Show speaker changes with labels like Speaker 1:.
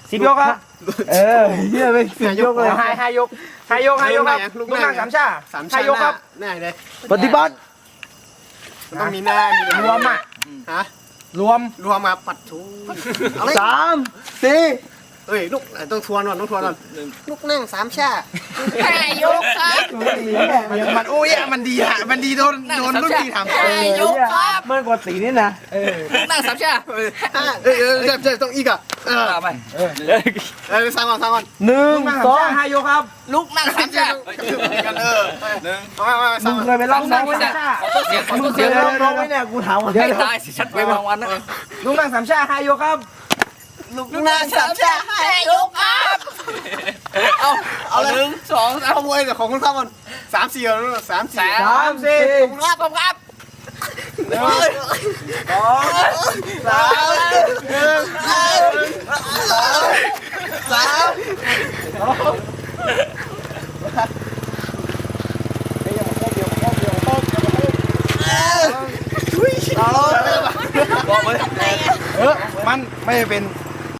Speaker 1: 10 ยกครับ
Speaker 2: เฮียไม่10 ยกเลย
Speaker 1: 5 ยกครับลูกนั่ง3 ชา 5 ยกครับ
Speaker 3: หน้าเลย
Speaker 2: ปฏิบัติ
Speaker 3: มันต้องมีหน้ามี
Speaker 1: รวมอ่ะ
Speaker 3: ฮะ
Speaker 1: รวม
Speaker 3: รวมมาปัดชูเอาเลย
Speaker 2: 3 4
Speaker 3: เอ้ยลูกต้องทวนก่อนต้องทวนก่อนลูกนั่ง3 ชา
Speaker 4: 5 ยกครับ
Speaker 1: มันโอ้ยมันดีอ่ะมันดีโดนรุ่นพี่ทำ
Speaker 4: 5 ยกครับ
Speaker 2: เมื่อกว่าสีนี่นะ
Speaker 4: ลูกนั่ง3 ชา
Speaker 3: เจ็บต้องอีกอ่ะ
Speaker 4: ไป
Speaker 3: สร้างก่อน
Speaker 2: 1 2
Speaker 1: 5 ยกครับ
Speaker 4: ลูกนั่ง3 ชา
Speaker 3: กันมาส
Speaker 2: มึ
Speaker 3: ร้าง
Speaker 2: งเคยไปร้องน้องไหมเนี่ย มึงเคยไปร้องน้องไหมเนี่ยกูถามก่อน
Speaker 4: ไม่ตายสิชัดไปบางวันนะ
Speaker 1: ลูกนั่ง3 ชา 5 ยกครับ
Speaker 3: ลูกนั่ง3 ชา
Speaker 4: 5 ยกครับเอา1 2 3
Speaker 3: ขโมยแต่ของคุณข้ามัน3 4แล้ว3 4
Speaker 1: 3 4
Speaker 4: ครับผมครับ
Speaker 1: มันไม่เป็น